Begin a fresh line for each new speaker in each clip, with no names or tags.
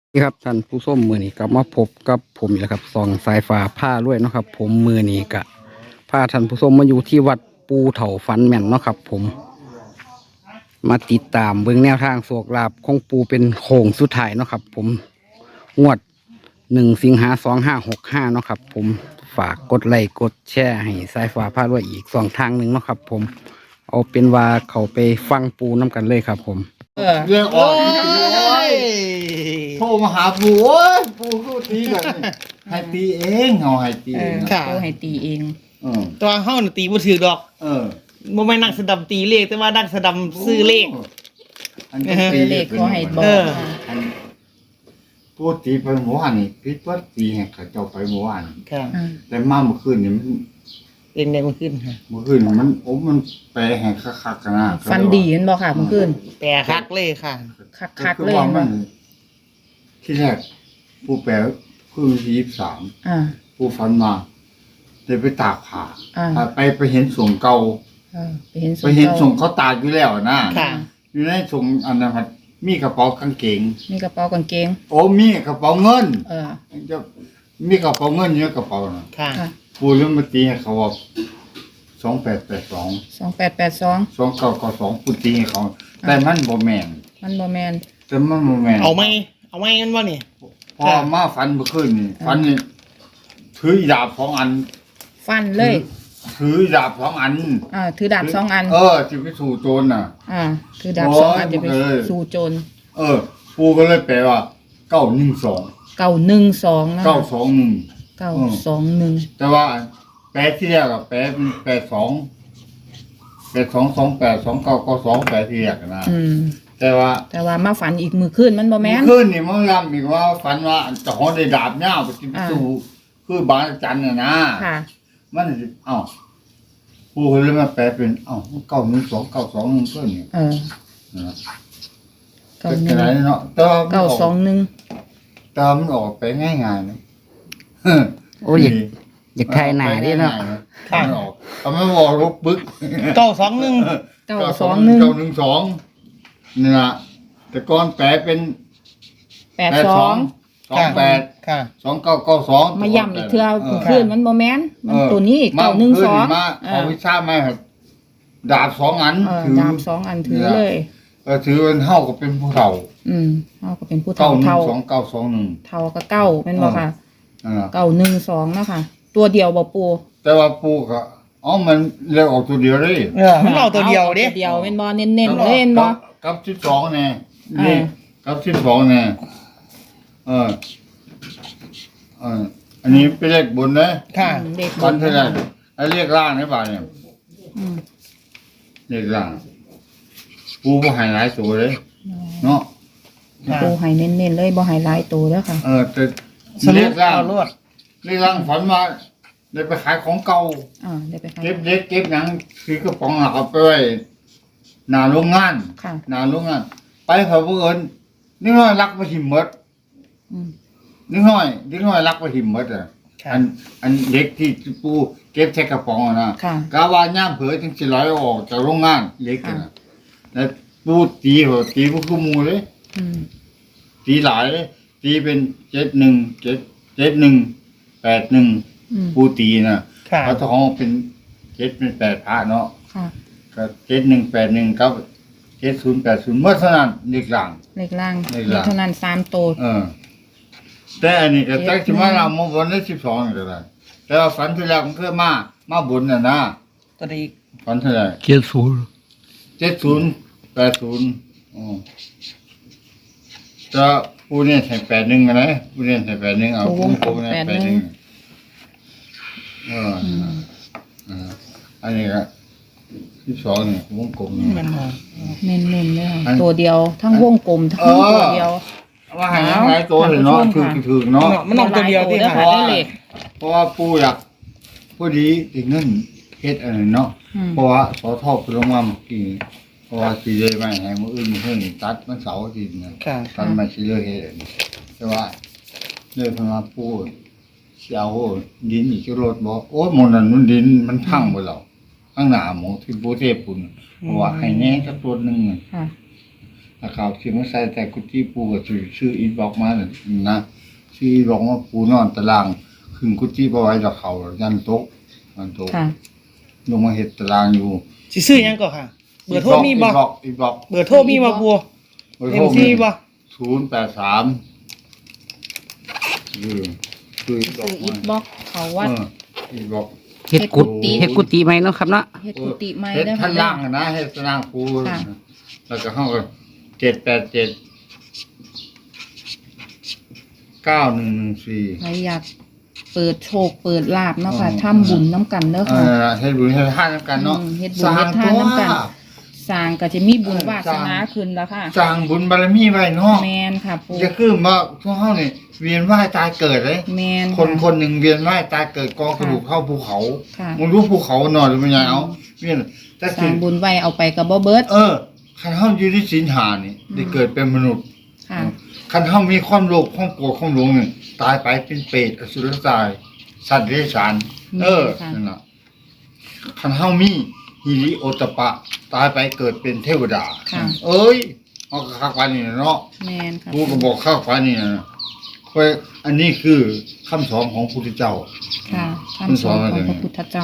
นี่ครับท่านผู้ชมมือนี้กลับมาพบกับผมอีกแล้วครับส่องสายฟ้าผ้าด้วยเนาะครับผมมือนี้กะพาท่านผู้ชมมาอยู่ที่วัดปูเถาฟันแม่นเนาะครับผมมาติดตามเบื้องแนวทางโศกลาบของปูเป็นโค้งสุดท้ายเนาะครับผมงวด1 สิงหา 2565เนาะครับผมฝากกดไลค์กดแชร์ให้สายฟ้าผ้าด้วยอีก2 ทางหนึ่งเนาะครับผมเอาเป็นว่าเขาไปฟังปูน้ำกันเลยครับผม
เรื่องออกอีกทีโอ้ยโทรมาหาปู่โอ้ยปู่ก็ตีแบบนี้ให้ตีเองเอาให้ตีเอง
ค่ะ
ปูให้ตีเอง
ตัวเฮาน่ะตีบ่ถือดอก
เออ
บ่แม่นนักสะดำตีเลขแต่ว่านักสะดำซื้อเลข
อันนี้ตี
เลขขอให้บอก
เออ
อันปู่ตีไปเมื่อวานนี่พิษว่าตีให้เขาเจ้าไปเมื่อวาน
ค่ะ
อ่า
แต่มาเมื่อคืนนี่มัน
เป็นไงมันขึ้นค่ะ
เมื่อคืนมันมันแปลให้คักๆกันนะ
ฟันดีเห็นบ่ค่ะเมื่อคืน
แปรคักเลยค่ะ
คักๆเลย
ว่า
เห็น
มั
บ่
นที่แรกปู่แปลคือ23
อ่า
ปู่ฝันมาได้ไปตากผ้า
อ่า
ไปเห็นสงเก่า
ไปเห็น
ไปเห็นส่งเขาตากอยู่แล้วนะ
ค่ะ
อยู่ในส่งอันนั้นมันมีกระเป๋ากางเกง
มีกระเป๋ากางเกง
โอ้มีกระเป๋าเงิน
เออ
จะมีกระเป๋าเงินอยู่ในกระเป๋าน่ะ
ค่ะ
ค่ะ
ปูเรื่องมาตีให้เขาว่า2882
2882
2992ปูตีให้เขา แต่มันบ่แม่น
มันบ่แม่น
แต่มันบ่แม่น
เอาไหมมันบ่นี่
พอมาฝันเมื่อคืนนี่ฝันนี่ถือดาบ2 อัน
ฟันเลย
ถือดาบ2 อัน
ถือดาบ2 อัน
ที่ไปสู่โจรน่ะ
ถือดาบ
โอ้ย
2 อันจะไป
มันก็เลย
สู่โจร
ปูก็เลยแปลว่า912
912นะ
921
921
แต่ว่าแปดที่แรกอะแปดเป็น82282992แปดที่แรกนะแต่ว่า
แต่ว่ามาฝันอีกมื้อคืนมันบ่แม่น
ขึ้นนี่มันย้ำอีกว่าฝันว่าเจ้าของได้ดาบยาวไปกินสู้คือบางจันน่ะนะ
ค่ะ
มันสิผู้คนเลยมาแปลเป็น91292ก็นี่
เออ
นะเป็นไร
91
เนาะแต่ว่ามันออก
921
แต่มันออกไปง่ายๆนะ
โอ้ยอยากทายหนาเดิเนาะ
มันออกเอาไม่บอกลบปึ๊ก
921
921
นี่นะแต่ก่อนแปลเป็น
82
28
ค่ะ
2992
มาย่ำอีกเทื่อคืนมันบ่แม่นมันตัวนี้
มาขึ้น
912
มาเอาวิชามาครับดาบ2 อันถือ
ดาบ2 อันถือเลย
ถือเป็นเฮาก็เป็นผู้เฒ่า
เฮาก็เป็นผู้เฒ่าเฒ่า
912
เฒ่าก็เก้าแม่นบ่ค่ะ
921
912เนาะค่ะ ตัวเดียวบ่ปู
แต่ว่าปู่ก็มันเลือกออกตัวเดียวเลย
มันเอาตัวเดียวดิ
ตัวเดียวแม่นบ่เน้นๆเลยแม่นบ่
กับ12แน่นี่กับ12แน่อันนี้เป็นเลขบนนะ
ค่ะ
เด็ก
วันเท่าไหร่ไอ้เลขล่างนี่ป่ะเนี่ย
อืม
เลขล่างปูบ่ให้หลายตัวเลยเนาะ
ปูให้เน้นๆเลยบ่ให้หลายตัวเด้อค่ะ
แต่
ส
เล
รุป
ขล่าง
เอารวด
เลขล่างฝันว่าได้ไปขายของเก่า
ได้ไปค่ะ
เก็บเล็กเก็บหยังคือกระป๋องเอาไปไว้หน้าโรงงาน
ค่ะ
หน้าโรงงาน ไปเขาเอิ้นนิดหน่อยรักไปหิมหมด
อืม
นิดหน่อยรักไปหิมหมดอ่ะ
ค่ะ
อันเด็กที่ปูเก็บใส่กระป๋องอะนะ
ค่ะ
กาว่าย่ามเผยถึงสิร้อยออกจากโรงงานเล็กกันนะแล้วปูตีเหรอตีพวกคือหมูเลย
อืม
ตีหลายเลยตีเป็น718181ปูตีนะ
ค่ะ
พระทองเป็นเป็น8พระเนาะ
ค่ะ
ก็7181กับ7080เมื่อเท่านั้นเด็กหลัง
เลขล่าง
เลขล่าง
มีเท่านั้น3ตัว
แต่อันนี้ก็จักสิมาเรามาบนได้12นี่ก็ได้แต่ว่าฝันที่แล้วมันเคยมาบนน่ะนะ
ตัวนี้
ฝันเท่าไหร่
เกียรศูนย์
7080จะผู้เนี่ยใส่81กันนะผู้เนี่ยใส่81เอาผู้เนี่ย81อันนี้ก็12นี่วงกลมนี่
มันมา
เน้นๆเลยค่ะ
อัน
ตัวเดียวทั้งวงกลมทั้งตัวเดียว
ว่าให้ยังหลายตัวเลยเนาะถึงเนาะ
มันเอาตัวเดียวที่
หลา
ค่ะ
ตัวได้เลข
เพราะว่าปู่อยากผู้ดีถึงเงินเฮ็ดอันนั้นเนาะ เพราะว่าสอทอไปลงมาเมื่อกี้เพราะว่าสิเลยมาให้มื้ออื่นเพิ่นตัดมันเสาร์อาทิตย์นะ
ค่ะ
ตัดมาสิเลยเฮ็ดอันนี้แต่ว่าเลยเพิ่นมาปู่สิเอาดินอีกรถบ่โอ้ยหม้องนั้นมันดินมันพังหมดแล้วข้างหน้าหม้องที่ปู่เทพพุ่นเพราะว่าให้แหน่สักตัวหนึง
ค่ะ
แล้วเขาที่มาใส่แต่กุฏิปูก็ชื่ออินบ็อกมาน่ะนะชื่ออินบ็อกว่าปูนอนตารางขึ้นกุฏิบ่ไหว้ดอกเขายันโต๊ะยันโต๊ะ
ค่ะ
ลงมาเฮ็ดตารางอยู่
สิซื้อหยังก็ค่ะ เบอร์โทรมีบ่
อินบ็อก
เบอร์โทรมีบ่บัว
เบอร์
เอ็
โทร
มซีบ่
083คืออินบ็อ
ซื้อก อิฐบล็อกเขาวัด
อินบ็อก
เฮ็ดกุฏิ
เฮ็
เฮ็
ด
ด
กุ
กุ
ฏิ
ฏิไหมเนาะครับเนาะ
เฮ็ดกุฏิใหม่
เฮ็ด
เด้อ
ท่า
ค่ะ
นล่างนะเฮ็ดตารางปู
ค่ะ
แล้วก็เฮาก็787 9114
ใครอยากเปิดโชคเปิดลาบเนาะค่ะทำบุญน้ำกันเด้อค่ะ
เฮ็ดบุญเฮ็ดทานนำกันเนาะ
เฮ็ดบุญเฮ็ดทานนำกัน สร้างก็จะมีบุญวาสนาขึ้นแล้วค่ะ
สร้างบุญบารมีไว้เนาะ
แมนค่ะปู
จะคือว่าพวกเฮานี่เวียนว่ายตายเกิดเลย
แมน
คนหนึ่งเวียนว่ายตายเกิดกองกระดูกเข้าภูเขา
ค่ะ
มึงรู้ภูเขาหน่อยหรือมันยังเอาเวียนแต่
ส
สิ
ร้างบุญไว้เอาไปกับบ่เบิด
คันเฮาอยู่ในศีลหานี่ได้เกิดเป็นมนุษย์
ค่ะ
คันเฮามีความโลภความโกรธความหลงนี่ตายไปเป็นเปรตอสุรกายสัตว์เดรัจฉานนั่นน่ะคันเฮามีหิริโอตตัปปะตายไปเกิดเป็นเทวดา
ค่ะ
เอ้ยเฮาก็คักว่านี่เนาะ
แมนค่ะ
กูก็บอกคักว่านี่นะเพราะอันนี้คือคำสอนของพระพุทธเจ้า
ค่ะคำสอนของพระพุทธเจ้า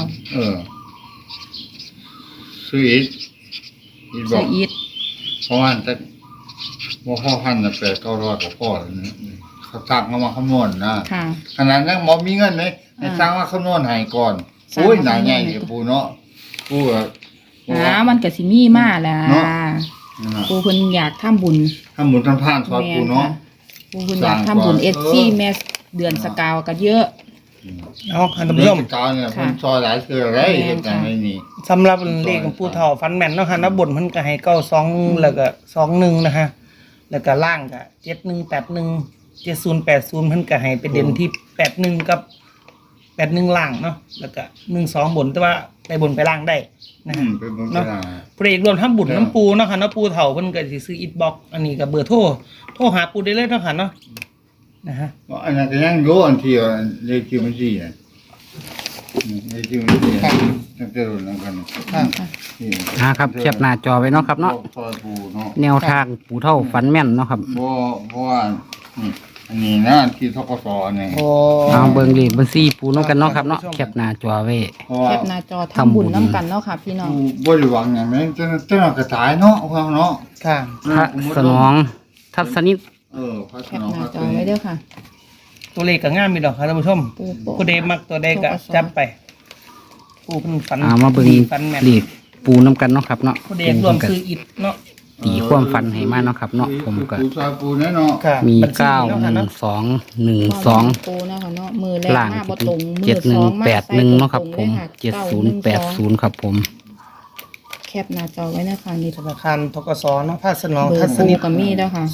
ซื้ออีกบ
เสื้
อ
อก อิฐ
เพราะว่าแต่ว่าพ่อพันน่ะ800-900กับพ่อเลยนะเขาสั่งเขามาคำนวณนะ
ค่ะ
ขนาดนั้นหมอมีเงินเลยให้สั่งมาคำนวณให้ก่อน
สั่ง
โอ้ย
มา
หนา
คำนวณ
ใหญ่
ให้
เดี๋ยวปูเนาะปูก็
มันก็สิมีมาแหละ
เนาะ
ปูเพิ่นอยากทำบุญ
ทำบุญทำทานซอยปูเนาะ
ปูเพิ่นอยากทำบุญ SC แม่เดือนสกาวก็เยอะ
เอาค่ะท่านผู้ชม
กาวเนี่ยมันซอยหลายเคืออะไรเฮ็ดจังไดนี่
สำหรับเลขของปู่เฒ่าฟันแม่นเนาะค่ะนะบนเพิ่นก็ให้92แล้วก็21นะฮะแล้วก็ล่างก็7181 7080เพิ่นก็ให้ไปเด่นที่81กับ81ล่างเนาะแล้วก็12บนแต่ว่าไปบนไปล่างได้นะฮะ
เป็นบุญ
เนาะ
ไปได้
พระเอกรวมทั้งบุญน้ำปูเนาะค่ะเนาะปูเฒ่าเพิ่นก็สิซื้ออิฐบล็อกอันนี้ก็เบอร์โทรหาปูได้เลยเนาะค่ะเนาะนะฮะ
อันนั้นก็ยังอยู่อันที่เลขที่มันสิน่ะเลขที่มันสิตั้งแต่รุ่นนั้นกันนี่
ครับแคปหน้าจอไว้เนาะครับเนาะ
ซอยปูเนาะ
แนวทางปู่เฒ่าฝันแม่นเนาะครับ
เพราะว่านี่อันนี้นะที่ทกศนี่
โอ้
เอาเบิ่งเลขเบิ่งซี่ปู่น้ำกันเนาะครับเนาะแคปหน้าจอไว้
เพราะว่า
แคปหน้าจอทำบุญน้ำกันเนาะค่ะพี่น้อง
ผู้บริวังอย่างนั้นเจ้ากระตายเนาะว่าเนาะ
ค่ะ
พระสนองทัศนิต
พระส
แคน ป
อง
หน้าจอไว้เด้อค่ะ
ตัวเลขก็งามมีดอกค่ะท่านผู้ชม
ปูโปะ
ผู้ใดมักตัวใดก็จับไปปูเพิ่นฝัน
เอามาเบิ่ง
ดีฝันแม่น
เลขปู่น้ำกันเนาะครับเนาะ
ผู้ใดรวมซื้ออิฐเนาะ
ตีความฝันให้มาเนาะครับเนาะผมก็
ปูซอยปูแน่เนาะ
ค่ะ
มี
บัญชีเนาะค่ะเนาะ
91212
ปูนะคะเนาะมือแรก
ล่าง
มาบ่ตรงมื
เจ็ด
อ
ห
ส
นึ่ง
องมา
แปดหนึ่ง
ใส่
เนาะครับ
ต
ผ
ง
ม
ลยค่ะ
7080ครับผม
แคปหน้าจอไว้นะคะนี่
ธนาคารธกสเนาะพระสนอง
เบอ
ทั
ร์
ศ
ปู
นิต
กับมีแล้วค่ะ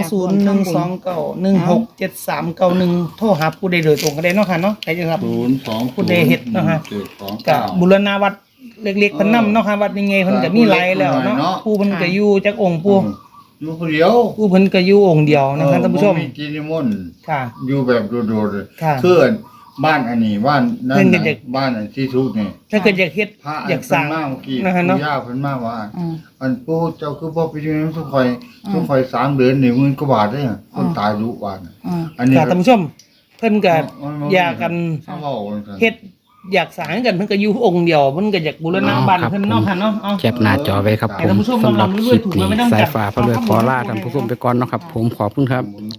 02012916731โทรหาผู้ใดโดยตรงก็ได้เนาะค่ะเนาะใครจะรับ
02
ผู้ใดเฮ็ดเนาะฮะ
729
กับบุรณาวัดเล็กๆเพิ่นนำเนาะค่ะวัดยังไงเพิ่นก็มีหลายแล้วเนาะผู้เพิ่นก็อยู่จักองค์ผู้
อยู่คนเดียว
ผู้เพิ่นก็อยู่องค์เดียวนะครับท่านผู้ชม
บ่กินนิมนต์
ค่ะ
อยู่แบบโดดๆเลย
ค่ะ
คือบ้านอันนี้บ้านนั่น
เพิ่นก็
น่ะ
จะ
บ้านอันที่ทุกข์นี่
ถ้าเกิดอยากเฮ็ด
พระ
อยากสร้าง
เพิ่นมาเมื่อกี้
นะคะเนาะ
ปู่ย่าเพิ่นมาว่า
อืม
อันปู่เจ้าคือบ่ไปอยู่ในทุกข่อยทุกข่อย3เดือนนี่มื้อกว่าบาทเด้อคนตายรู้ว่าน่ะ
อ่า
อันนี้
ค่ะท่านผู้ชม เพิ่นก็อยากกัน
เขาเว้ากัน
เฮ็ดอยากสร้างกันเพิ่นก็อยู่องค์เดียวเพิ่นก็อยากบูรณะบ้านเพิ่นเนาะค่ะเนาะเอา
แคปหน้าจอไว้ครับผมสำหรับคลิปนี้สายฟ้าพระรวยขอลาท่านผู้ชมไปก่อนเนาะครับผมขอบคุณครับ